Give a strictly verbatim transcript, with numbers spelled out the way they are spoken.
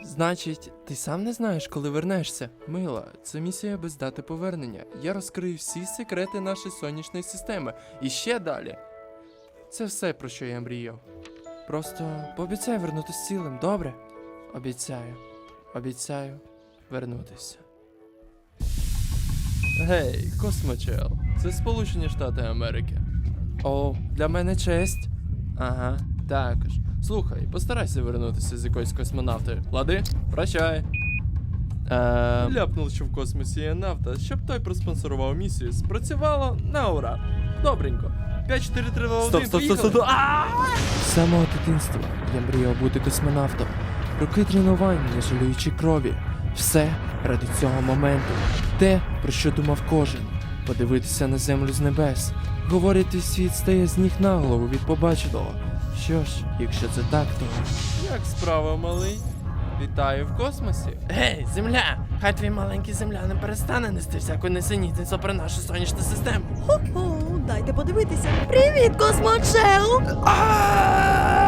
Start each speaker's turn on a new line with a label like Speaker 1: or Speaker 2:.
Speaker 1: Значить, ти сам не знаєш, коли вернешся? Мила, це місія без дати повернення. Я розкрию всі секрети нашої сонячної системи. І ще далі. Це все, про що я мріяв. Просто пообіцяй вернутися цілим, добре? Обіцяю. Обіцяю вернутися. Гей, Космочел, це Сполучені Штати Америки. О, для мене честь. Ага, також. Слухай, постарайся вернутися з якоюсь космонавтою. Лади? Прощай. Е... Ляпнув, що в космосі є нафта, щоб той проспонсорував місію. Спрацювало на ура. Добренько. п'ять, чотири, три, два, один,
Speaker 2: Стоп, стоп, стоп, стоп.
Speaker 1: З самого дитинства я мріяв бути космонавтом. Роки тренувань, не жалюючи крові. Все ради цього моменту. Те, про що думав кожен. Подивитися на землю з небес. Говорять, твій світ стає з ніг на голову від побаченого. Що ж, якщо це так, то... Як справа, малий? Вітаю в космосі.
Speaker 2: Гей, земля! Хай твій маленький земля не перестане нести всяку несенітницю про нашу сонячну систему.
Speaker 3: Хо-хо, дайте подивитися. Привіт, Космочел!
Speaker 2: А!